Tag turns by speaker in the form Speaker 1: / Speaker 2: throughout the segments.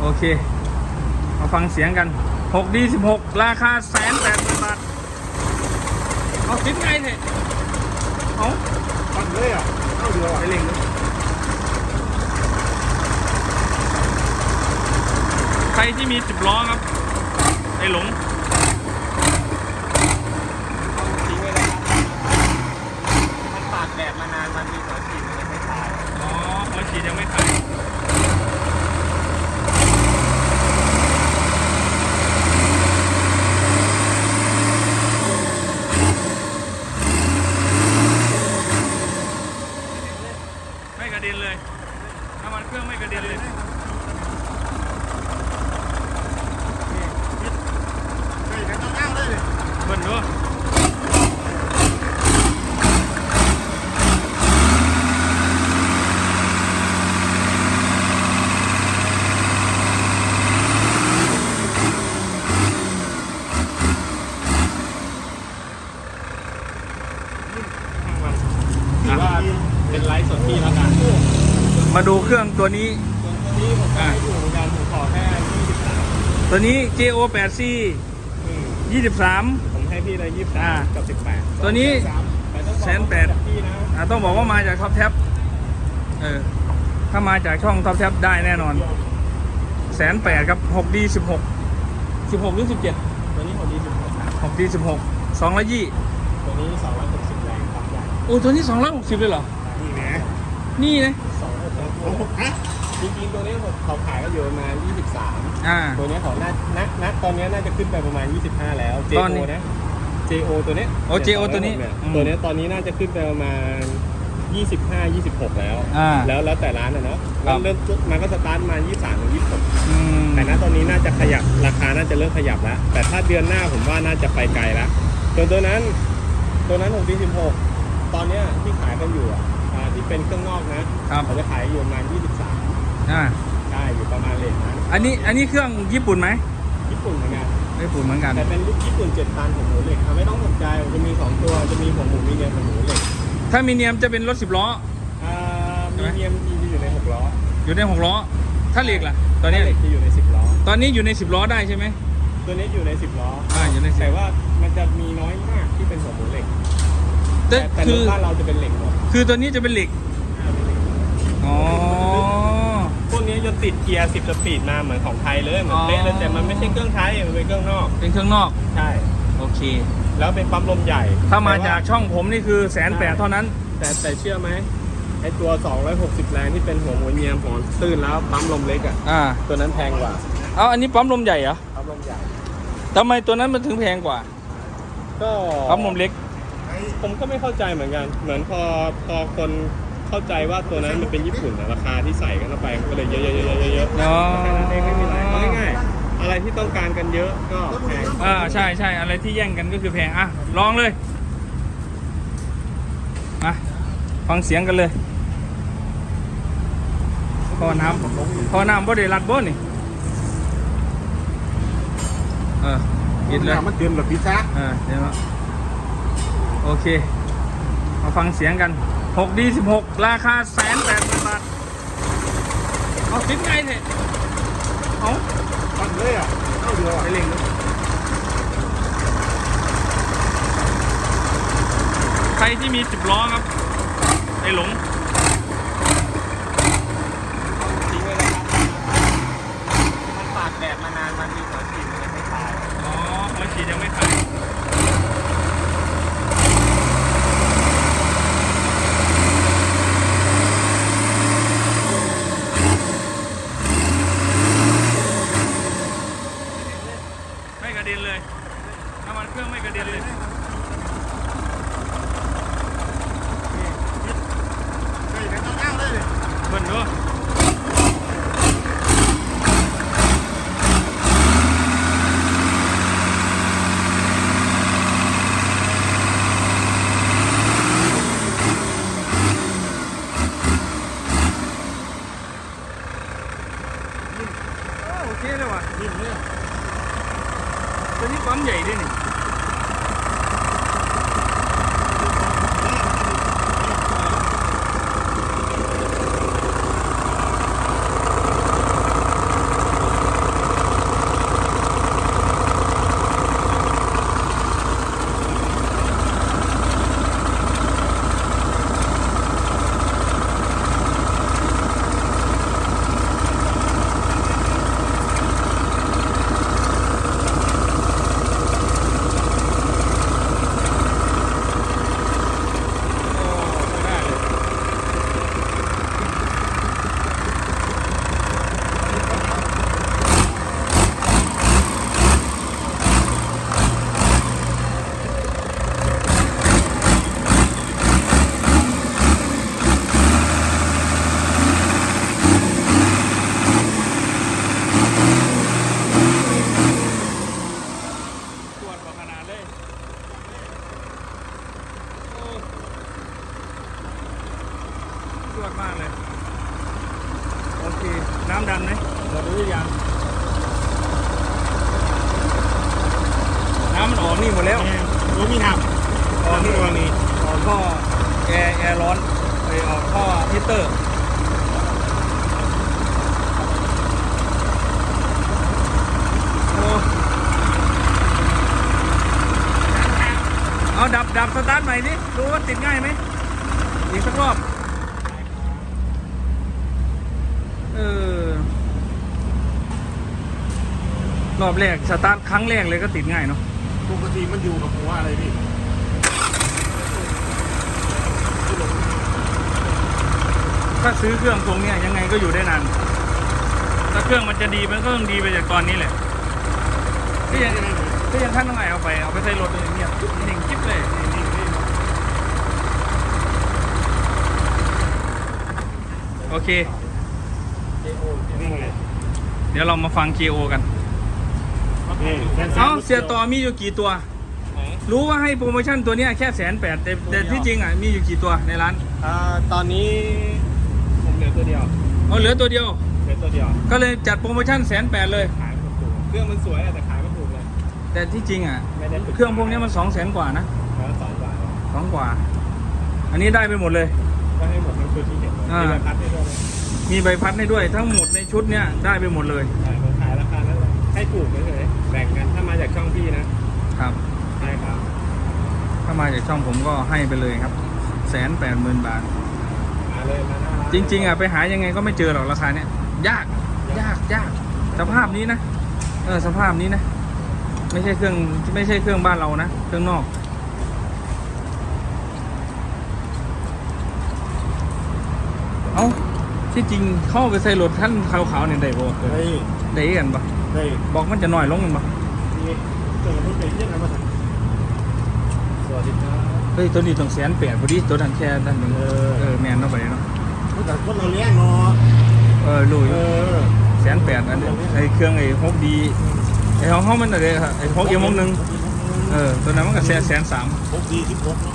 Speaker 1: เคมาฟังเสียงกัน 6D16 ราคา180,000 บาทเอาติดไงเนี่ยเอา
Speaker 2: ปั่นเลยอ่ะเข้าเดียวอ่ะ
Speaker 1: ไปเล่งเลยใครที่มี10 ล้อครับไอหลง
Speaker 3: ทิ้งไว้เลยครับมันตากแดดมานานมันมีหัวฉีดมันยังไม่ตาย
Speaker 1: อ๋อหัวฉีดยังไม่ขายไม่กระเด็นเลยน้ำมันเครื่องไม่กระเด็นเลยเบิ่นด้วย
Speaker 3: ถือว่าเป็นไลฟ์สดที่แล้วกัน
Speaker 1: มาดูเครื่องตัวนี้
Speaker 3: ส่วนที่ผมก็ให้อยู่เหมือนกันผมขอแค่23
Speaker 1: ตัวนี้ JO8C 23
Speaker 3: ผมให้พี่เลย23กับ18
Speaker 1: ตัวนี้
Speaker 3: 180,000พี่นะ
Speaker 1: ต้องบอกว่ามาจากท็อปแท็บถ้ามาจากช่องท็อปแท็บได้แน่นอน180,000ครับ 6D16 16หรือ17
Speaker 3: ตัวนี้ของดี16
Speaker 1: 6D16 220
Speaker 3: ตัวนี้260แรงความใหญ่
Speaker 1: โอ้ตัวนี้260เลยเหรอ
Speaker 2: นี่แหม
Speaker 1: นี่นะ
Speaker 2: ฮะ
Speaker 3: จริงๆตัวนี้เขาขายก็อยู่ประมาณ23ตัวนี้เขาณตอนนี้น่าจะขึ้นไปประมาณ25แล้ว JO นะ JO ตัวนี้
Speaker 1: โอ้ JO ตัวนี้
Speaker 3: ตัวนี้ตอนนี้น่าจะขึ้นไปประมาณ25 26แล้วแล้วแต่ร้านนะเนาะเริ่มมันก็สตาร์ทมา23ถึง26แต่ณตอนนี้น่าจะขยับราคาน่าจะเริ่มขยับแล้วแต่ถ้าเดือนหน้าผมว่าน่าจะไปไกลแล้วตัวนั้นของปี16ตอนนี้ที่ขายกันอยู่ที่เป็นเครื่องนอกนะเขาจะขายอยู่ประมาณ23ได้อยู่ประมาณเลทนั้น
Speaker 1: อันนี้เครื่องญี่ปุ่นไหม
Speaker 3: ญี่ปุ่นเหมือนกัน
Speaker 1: แต่
Speaker 3: เป็นลูกญี่ปุ่น7 ตันของหมูเหล็กไม่ต้องสนใจจะมี2ตัวจะมีหัวหมูมีเนียมกับหมูเหล็ก
Speaker 1: ถ้ามีเนียมจะเป็นรถ10 ล้อ
Speaker 3: มีเนียมอยู่ใน6 ล้อ
Speaker 1: อยู่ใน6 ล้อถ้าเหล็กล่ะตอนนี้
Speaker 3: เหล็กจะอยู่ใน10 ล้อ
Speaker 1: ตอนนี้อยู่ใน10 ล้อได้ใช่ไหม
Speaker 3: ตัวนี้อยู่ใน10 ล้อ
Speaker 1: อยู่ใน10
Speaker 3: แต่ว่ามันจะมีน้อยมากที่เป็นหัวหมูเหล็กแต่รถบ้านเราจะเป็นเหล็กหมด
Speaker 1: คือตัวนี้จะเป็นเหล็กอ๋อ
Speaker 3: พวกนี้จะติดเกียร์10 สปีดมาเหมือนของไทยเลยเหมือนเป๊ะเลยแต่มันไม่ใช่เครื่องไทยมันเป็นเครื่องนอก
Speaker 1: ใช่โอเค
Speaker 3: แล้วเป็นปั๊มลมใหญ่
Speaker 1: ถ้ามาจากช่องผมนี่คือ180,000เท่านั้น
Speaker 3: แต่เชื่อไหมไอตัว260แรงที่เป็นหัวหมูเนียมหัวตื้นแล้วปั๊มลมเล็กตัวนั้นแพงกว่า
Speaker 1: อันนี้ปั๊มลมใหญ่เหรอ
Speaker 3: ปั๊มลมใหญ่
Speaker 1: ทำไมตัวนั้นมันถึงแพงกว่า
Speaker 3: ก็
Speaker 1: ปั๊มลมเล็ก
Speaker 3: ผมก็ไม่เข้าใจเหมือนกันเหมือนพอคนเข้าใจว่าตัวนั้นมันเป็นญี่ปุ่นราคาที่ใส่กันเข้าไปก็เลยเยอะแค่นั้นเองไม่มีอะไรง่ายๆอะไรที่ต้องการกันเยอะก็แพง
Speaker 1: ใช่อะไรที่แย่งกันก็คือแพงลองเลยมาฟังเสียงกันเลยท่อน้ำบ่ได้รัดบ่นี่ปิดเลย
Speaker 2: มันเดินแบบพิซซ่า
Speaker 1: เดี๋ยวโอเคมาฟังเสียงกัน 6D16 ราคา180,000 บาทเอาติดไงเนี่ยเอา
Speaker 2: ปั่นเลยอ่ะเข้าเดียวอ่ะ
Speaker 1: ไปเล่งเลยใครที่มี10 ล้อครับไอหลง
Speaker 3: ทิ้งไว้เลยครับมันตากแดดมานานมันมีหัวฉีดมันยังไม่ตาย
Speaker 1: หัวฉีดยังไม่ขายไม่กระเด็นเลยน้ำมันเครื่องไม่กระเด็นเลยเบิ่นด้วยโอเคเลยว่ะนิ่มเลยตัวนี้ปั๊มใหญ่ด้วยนี่หมดหรือยังน้ำมันออกนี่หมดแล้ว
Speaker 2: รู้มีหับ
Speaker 1: ออกนี่ออกนี่ออกท่อแอร์ร้อนไปออกท่อฮีตเตอร์โอ้เอาดับสตาร์ทใหม่ดิดูว่าติดง่ายไหมอีกสักรอบรอบแรกสตาร์ทครั้งแรกเลยก็ติดง่ายเนาะ
Speaker 2: ปกติมันอยู่กับหัวอะไรพี่
Speaker 1: ถ้าซื้อเครื่องทรงเนี้ยยังไงก็อยู่ได้นานถ้าเครื่องมันจะดีมันก็ต้องดีไปจากตอนนี้แหละก็ยังท่านต้องไงเอาไปใส่รถอย่างเงี้ยหนึ่งกิ๊บเลยนี่โอเค
Speaker 2: นี่ไง
Speaker 1: เดี๋ยวเรามาฟัง KO กัน
Speaker 2: นี่แฟนสา
Speaker 1: เอ้าว เสียต่อมีอยู่กี่ตัว รู้ว่าให้โปรโมชั่นตัวเนี้ยแค่180,000แต่ที่จริงอ่ะมีอยู่กี่ตัวในร้าน
Speaker 3: ตอนนี้ผมเหลือตัวเดียว
Speaker 1: เหลือตัวเดียว
Speaker 3: เหลือตัวเดียว
Speaker 1: ก็เลยจัดโปรโมชั่น180,000เลย
Speaker 3: ขายไม่ถูกเครื่องมันสวยอะแต่ขายไม่ถูกเลย
Speaker 1: แต่ที่จริงอ่ะ
Speaker 3: ไม่ได้ถูก
Speaker 1: เครื่องพวกนี้มัน200,000กว่านะ
Speaker 3: แล้ว2 บาท
Speaker 1: 2 กว่า อันนี้ได้ไปหมดเลย
Speaker 3: ก็ให้หมดทั้งชุดที่เห็นเลย
Speaker 1: อ่า
Speaker 3: มีราคาให้ด้วยนะ
Speaker 1: มีใบพัดให้ด้วยทั้งหมดในชุดเนี้ยได้ไปหมดเลย
Speaker 3: ใช่ผมขายราคานั้นเลยให้ถูกเฉยๆแบ่งกันถ้ามาจากช่องพี่นะครับ ใช่ครับ
Speaker 1: ถ้ามาจากช่องผมก็ให้ไปเลยครับ180,000 บาท
Speaker 3: มาเลยมาหน้าร้าน
Speaker 1: จริงๆอ่ะไปหายังไงก็ไม่เจอหรอกราคาเนี้ยยากสภาพนี้นะสภาพนี้นะไม่ใช่เครื่องบ้านเรานะเครื่องนอกเอ้าที่จริงเข้าไปใส่รถท่านขาวๆเนี่ยได้บ่
Speaker 2: เฮ้ย
Speaker 1: ได้กันปะ
Speaker 2: เฮ้ย
Speaker 1: บอกมันจะหน่อยลงกันปะ
Speaker 2: นี่เจอรถเป็นยังไงมาสั่งสวัสดีครับ
Speaker 1: เฮ้ยตัวนี้ต้อง180,000พอดีตัวนั้นแค่ด้านหนึ่งแมนเอาไปเนาะ
Speaker 2: แต่คนเราเลี้ยงเนาะ
Speaker 1: ลุย 180,000อันนี้ไอ้เครื่องไอ้6D ไอ้ของเขามันอะไรครับไอ้6 M61ตัวนั้นมันก็130,000
Speaker 2: พกดี16เนาะ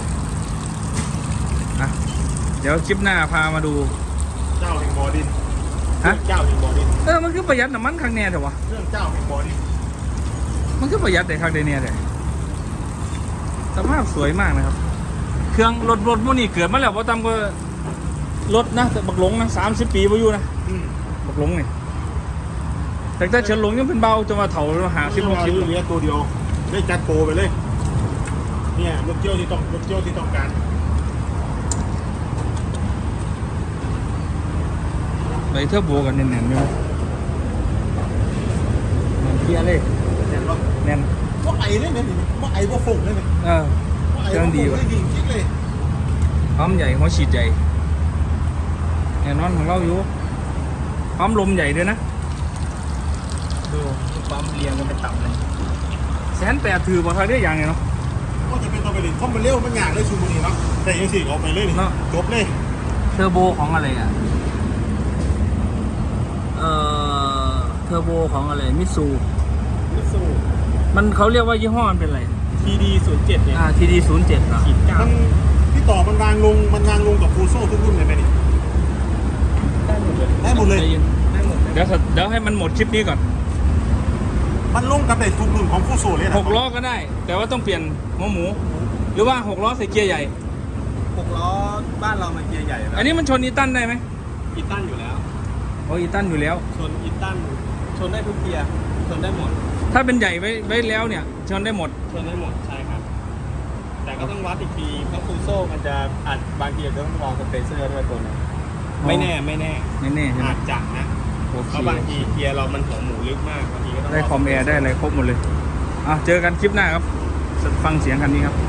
Speaker 1: อ่ะเดี๋ยวคลิปหน้าพามาดู
Speaker 2: เจ้าแห่งบ่อดิน
Speaker 1: ฮะ
Speaker 2: เจ้าแห่งบ่อดิน
Speaker 1: มันคือประหยัดน้ำมันครั้งแน่เถอะวะ
Speaker 2: เรื่องเจ้าแห่งบ่อดิน
Speaker 1: มันคือประหยัดแต่ครั้งเดียวเนี่ยเลยสภาพสวยมากนะครับ เครื่องรถพวกนี้เกิดมาแล้วพอตามก็รถนะแต่บักหลงนะ30 ปีพออยู่นะ
Speaker 2: อืม
Speaker 1: บักหลงนี่แต่ถ้าเฉินหลงยังเป็นเบาจนมาเถาหา
Speaker 2: ซื้อ
Speaker 1: สิบ
Speaker 2: มา
Speaker 1: 60
Speaker 2: เลี้ยงตัวเดียวได้จัดโปรไปเลย เนี่ยรถเที่ยวที่ต้องการ
Speaker 1: ไปเทื่อโบกันแน่นๆอยู่เกียร์เลย
Speaker 2: เห็นปะ
Speaker 1: แน่น
Speaker 2: ว่าไอ้เนี่ยว่าไอ้ว่าฝุ่นเลยเนี่ย
Speaker 1: เครื่องดีว่ะ
Speaker 2: ดีจริงเลย
Speaker 1: พร้อมใหญ่หัวฉีดใหญ่แน่นอนของเราอยู่พร้อมลมใหญ่ด้วยนะดูความเรียงกันเป็นต่ำเลย180,000ถือบอกทางได้อย่างไงเนาะ
Speaker 2: ก็จะเป็นตัวไปเลยเพราะมันเร็วมันยากเลยชูมือนี่เนาะแต่ยังสี่เอาไปเลยนี่
Speaker 1: เนาะ
Speaker 2: จบเลย
Speaker 1: เทอร์โบของอะไรอ่ะเทอร์โบของอะไรมิตซู
Speaker 3: มิตซู
Speaker 1: มันเขาเรียกว่ายี่ห้อมันเป็นอะไร
Speaker 3: TD07 เนี่ย
Speaker 1: TD07 อ่ะ
Speaker 3: ขีดเก้า
Speaker 2: มันพี่ต่อมันวางลงกับฟูโซ่ทุกรุ่นเลยไหมนี่
Speaker 3: ได้หมดเลย
Speaker 2: ได้หมดเลย
Speaker 3: ได้หมดเลย
Speaker 1: เดี๋ยวให้มันหมดคลิปนี้ก่อน
Speaker 2: มันลงกับได้ทุกรุ่นของฟูโซ่เลยนะ
Speaker 1: 6 ล้อก็ได้ แต่ว่าต้องเปลี่ยนหัวหมู หรือว่า6 ล้อใส่เกียร์ใหญ่
Speaker 3: 6 ล้อบ้านเรามันเกียร์ใหญ่แล้ว
Speaker 1: อันนี้มันชนอีตันได้ไหม
Speaker 3: อีตันอยู่แล้ว
Speaker 1: โอ้อีตันอยู่แล้ว
Speaker 3: ชนอีตันชนได้ทุกเกียร์ชนได้หมด
Speaker 1: ถ้าเป็นใหญ่ไว้แล้วเนี่ยชนได้หมด
Speaker 3: ชนได้หมดใช่ครับ แต่ก็ต้องวัดอีกทีเพราะฟูโซ่มันจะอาจบางทีอาจจะต้องลองสเปเซอร์ด้วยตัวนึงไม่แน่
Speaker 1: แน่ๆใช่ไหม
Speaker 3: อาจจะนะ
Speaker 1: โอเค
Speaker 3: เพราะบางทีเกียร์เรามันหัวหมูลึกมากบางทีก็ต้อง
Speaker 1: ได้คอมแอร์ได้อะไรครบหมดเลยเจอกันคลิปหน้าครับ ฟังเสียงคันนี้ครับ